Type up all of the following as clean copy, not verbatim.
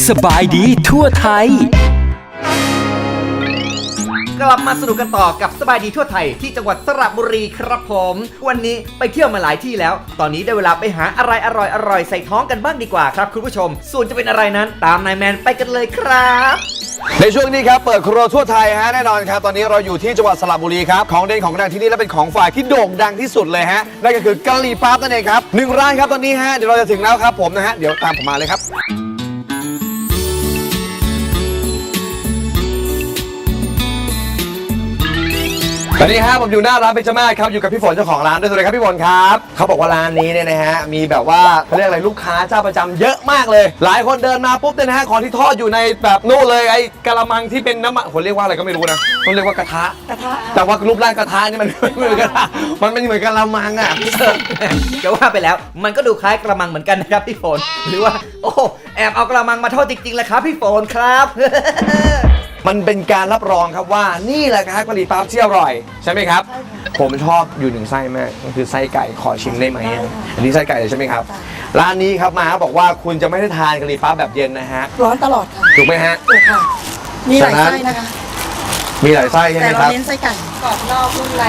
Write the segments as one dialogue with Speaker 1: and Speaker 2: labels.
Speaker 1: สบายดีทั่วไทย
Speaker 2: กลับมาสนุกกันต่อกับสบายดีทั่วไทยที่จังหวัดสระบุรีครับผมวันนี้ไปเที่ยวมาหลายที่แล้วตอนนี้ได้เวลาไปหาอะไรอร่อยใส่ท้องกันบ้างดีกว่าครับคุณผู้ชมส่วนจะเป็นอะไรนั้นตามนายแมนไปกันเลยครับ
Speaker 3: ในช่วงนี้ครับเปิดครัวทั่วไทยฮะแน่นอนครับตอนนี้เราอยู่ที่จังหวัดสระบุรีครับของเด่นของดังที่นี่และเป็นของฝ่ายที่โด่งดังที่สุดเลยฮะนั่นก็คือกะหรี่ปั๊บนั่นเองครับ1ร้านครับตอนนี้ฮะเดี๋ยวเราจะถึงแล้วครับผมนะฮะเดี๋ยวตามผมมาเลยครับตอนนี้ครับผมอยู่หน้าร้านเบญจมาศครับอยู่กับพี่ฝนเจ้าของร้านด้วยสวัสดีครับพี่ฝนครับเขาบอกว่าร้านนี้เนี่ยนะฮะมีแบบว่าเขาเรียกอะไรลูกค้าเจ้าประจำเยอะมากเลยหลายคนเดินมาปุ๊บเนี่ยนะฮะของที่ทอดอยู่ในแบบนู่นเลยไอ้กะละมังที่เป็นน้ำมันผมเรียกว่าอะไรก็ไม่รู้นะต้องเรียกว่ากระทะแต่ว่ารูปร่างกระทะนี่มันไม่เหมือนกระทะมันเป็นเหมือนกะละมังอ่ะ
Speaker 2: จะว่าไปแล้วมันก็ดูคล้ายกระมังเหมือนกันนะครับพี่ฝนหรือว่าโอ้แอบเอากระมังมาทอดจริงๆเลยครับพี่ฝนครับ
Speaker 3: มันเป็นการรับรองครับว่านี่แหละครับกะหรี่ปั๊บที่อร่อยใช่ไหมครับผมชอบอยู่หนึ่งไส้มากก็คือไส้ไก่ขอชิมได้ไหมอันนี้ไส้ไก่เลยใช่ไหมครับร้านนี้ครับมาบอกว่าคุณจะไม่ได้ทานกะหรี่ปั๊บแบบเย็นนะฮะ
Speaker 4: ร้อนตลอดค่ะ
Speaker 3: ถูกไหมฮะ
Speaker 4: ถูกค่ะมีหลายไส้นะคะ
Speaker 3: มีหลายไส้ใช่ไหมครับ
Speaker 4: แต่เราเน้นไส้ไก่กรอบนอกนุ่มใน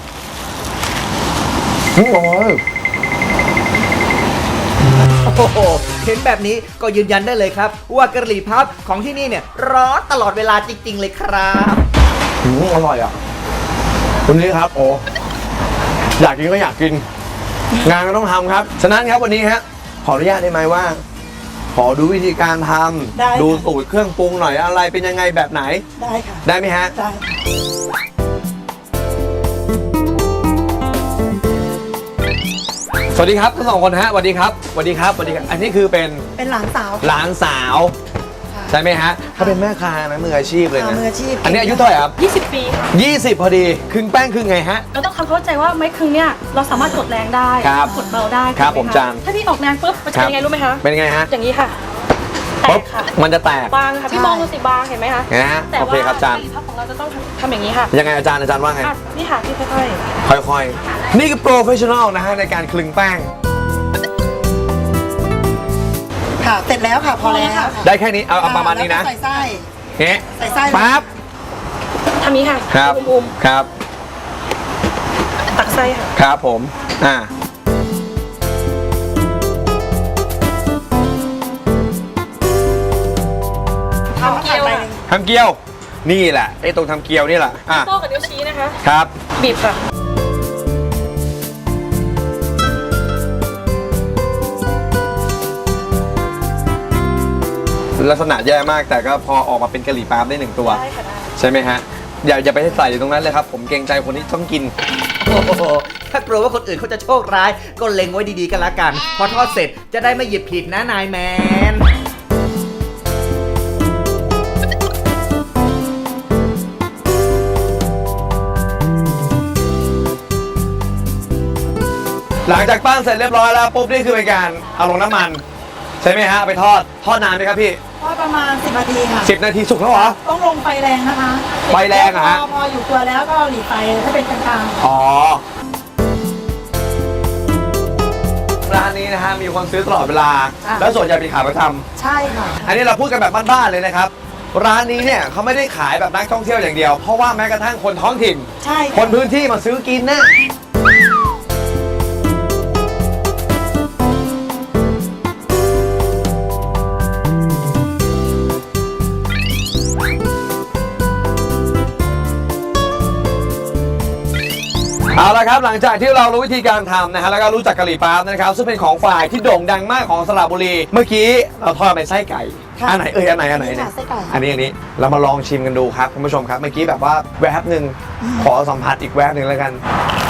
Speaker 2: โอ้โหเห็นแบบนี้ก็ยืนยันได้เลยครับว่ากะหรี่ปั๊บของที่นี่เนี่ยร้อนตลอดเวลาจริงๆเลยครับ
Speaker 3: อร่อยอ่ะวันนี้ครับโอ้อยากกินก็อยากกินงานก็ต้องทำครับฉะนั้นครับวันนี้ฮะขออนุญาตได้ไหมว่าขอดูวิธีการทำดูสูตรเครื่องปรุงหน่อยอะไรเป็นยังไงแบบไหน
Speaker 4: ได้ค่ะ
Speaker 3: ได้ไหมฮะ
Speaker 4: ได้
Speaker 3: สวัสดีครับทั้งสองคนฮะสวัสดีครับสวัสดีครับสวัสดีครับอันนี้คือเป็น
Speaker 4: หลานสาว
Speaker 3: ใช่ไหมฮะเขาเป็นแม่ค้านะมืออาชีพเลยนะ
Speaker 4: มืออาชีพ
Speaker 3: อันนี้อายุเท่าไหร่ครับ
Speaker 5: 20 ปีค่ะ
Speaker 3: 20พอดีครึ่งแป้งครึ่งไงฮะ
Speaker 5: เราต้องเข้าใจว่าไม้ครึ่งเนี่ยเราสามารถกดแรงได้กดเบาได้
Speaker 3: ครับผมจาน
Speaker 5: ถ้าพี่ออกแรงปุ๊บมันจะเป็นยังไงรู้ไหมคะ
Speaker 3: เป็นไงฮะ
Speaker 5: อย่างนี้ค่ะแตกค่ะ
Speaker 3: มันจะแตก
Speaker 5: บางค่ะพี่มองดูสิบางเห็นไหมคะ
Speaker 3: แต่ว่ากะห
Speaker 5: รี่ปั๊บของเราจะต้องทำอย่างนี้ค่ะ
Speaker 3: ยังไงอาจารย์ว่าไง
Speaker 5: นี่ค่ะพี่
Speaker 3: ค่อยๆนี่คือโปรเฟชชั่นอลนะฮะในการคลึงแป้ง
Speaker 4: ค่ะเสร็จแล้วค่ะพอแล้ว
Speaker 3: ได้แค่นี้เอาประมาณนี้นะ
Speaker 4: ใส่ไส้
Speaker 3: ใส่ไส้ปั๊บ
Speaker 5: ทำนี้ค่ะ
Speaker 3: ครับครับ
Speaker 5: ตักไส้ค่ะ
Speaker 3: ครับผม
Speaker 5: ทำเกี๊
Speaker 3: ยวนี่แหละไอ้ตรงทำเกี๊ยวนี่แหละ
Speaker 5: โป้กับนิ้วชี้นะคะ
Speaker 3: ครับ
Speaker 5: บีบค่ะ
Speaker 3: ลักษณะแย่มากแต่ก็พอออกมาเป็นกะหรี่ปั๊บได้1ตัวใช่ไหมฮะอย่าไปใส่อยู่ตรงนั้นเลยครับผมเกรงใจคนที่ต้องกิน
Speaker 2: โอ้โหถ้ากลัวว่าคนอื่นเขาจะโชคร้ายก็เล็งไว้ดีๆกันละกันพอทอดเสร็จจะได้ไม่หยิบผิดนะนายแมน
Speaker 3: หลังจากปั้นเสร็จเรียบร้อยแล้วปุ๊บนี่คือเป็นการเอาลงน้ำมันใช่ไหมฮะไปทอดนานไหมครับพี่
Speaker 4: ทอดประมาณ10 นาทีค่ะ
Speaker 3: 10 นาทีสุกแล้วเหรอ
Speaker 4: ต้องลงไฟแรงนะคะ
Speaker 3: ไฟแรงอ่ะ
Speaker 4: พออยู่ตัวแล้วก็หลีไฟถ้าเป็นกลาง
Speaker 3: ๆอ๋อร้านนี้นะฮะมีคนซื้อตลอดเวลาแล้วส่วนใหญ่เป็นขาประจ
Speaker 4: ำใช่ค่ะ
Speaker 3: อันนี้เราพูดกันแบบบ้านๆเลยนะครับร้านนี้เนี่ยเขาไม่ได้ขายแบบนักท่องเที่ยวอย่างเดียวเพราะว่าแม้กระทั่งคนท้องถิ่น
Speaker 4: ใช่
Speaker 3: คนพื้นที่มาซื้อกินนะเอาละครับหลังจากที่เรารู้วิธีการทำนะฮะแล้วก็รู้จักกะหรี่ปั๊บนะครับซึ่งเป็นของฝ่ายที่โด่งดังมากของสระบุรีเมื่อกี้เราทอดเป็นไส้ไก่อันไหนอันไหนเนี่ยอันนี้เรามาลองชิมกันดูครับคุณผู้ชมครับเมื่อกี้แบบว่าแวบหนึ่งขอสัมผัสอีกแวบหนึ่งแล้วกัน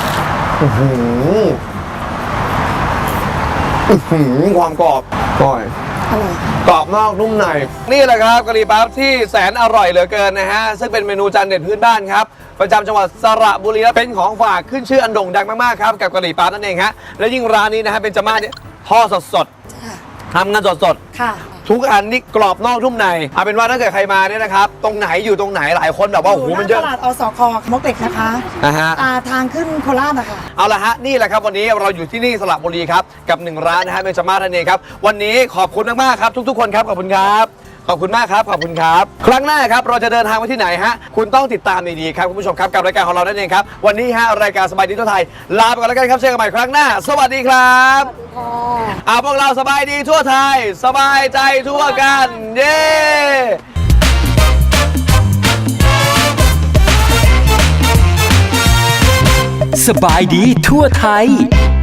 Speaker 3: ความกรอบกรอบนอกนุ่มในนี่แหละครับกะหรี่ปั๊บที่แสนอร่อยเหลือเกินนะฮะซึ่งเป็นเมนูจานเด็ดพื้นบ้านครับประจำจังหวัดสระบุรีและเป็นของฝากขึ้นชื่ออันโด่งดังมากๆครับกับกะหรี่ปั๊บนั่นเองฮะและยิ่งร้านนี้นะฮะเป็นจม่าเนี่ยทอดสดทำกันสด
Speaker 4: ค่ะ
Speaker 3: ทุกอันนี่กรอบนอกนุ่มในเอาเป็นว่าถ้าเกิดใครมาเนี่ยนะครับตรงไหนอยู่ตรงไหนหลายคนแบบว่าโอ้โหมันเยอะ
Speaker 4: ตลาดอสค.มกเหล็กนะคะทางขึ้นโคราชนะคะ
Speaker 3: เอาละฮะนี่แหละครับวันนี้เราอยู่ที่นี่สระบุรีครับกับ1ร้านนะฮะเบญจมาศนั่นเองครับวันนี้ขอบคุณมากๆครับทุกๆคนครับขอบคุณครับขอบคุณมากครับขอบคุณครับครั้งหน้าครับเราจะเดินทางไปที่ไหนฮะคุณต้องติดตามดีๆครับคุณผู้ชมครับกับรายการของเรานั่นเองครับวันนี้ฮะรายการสบายดีทั่วไทยลาไปก่อนแล้วกันครับเจอกันใหม่ครั้งหน้าสวัสดีครับพวกเราสบายดีทั่วไทยสบายใจทั่วกันเย้
Speaker 1: สบายดีทั่วไทย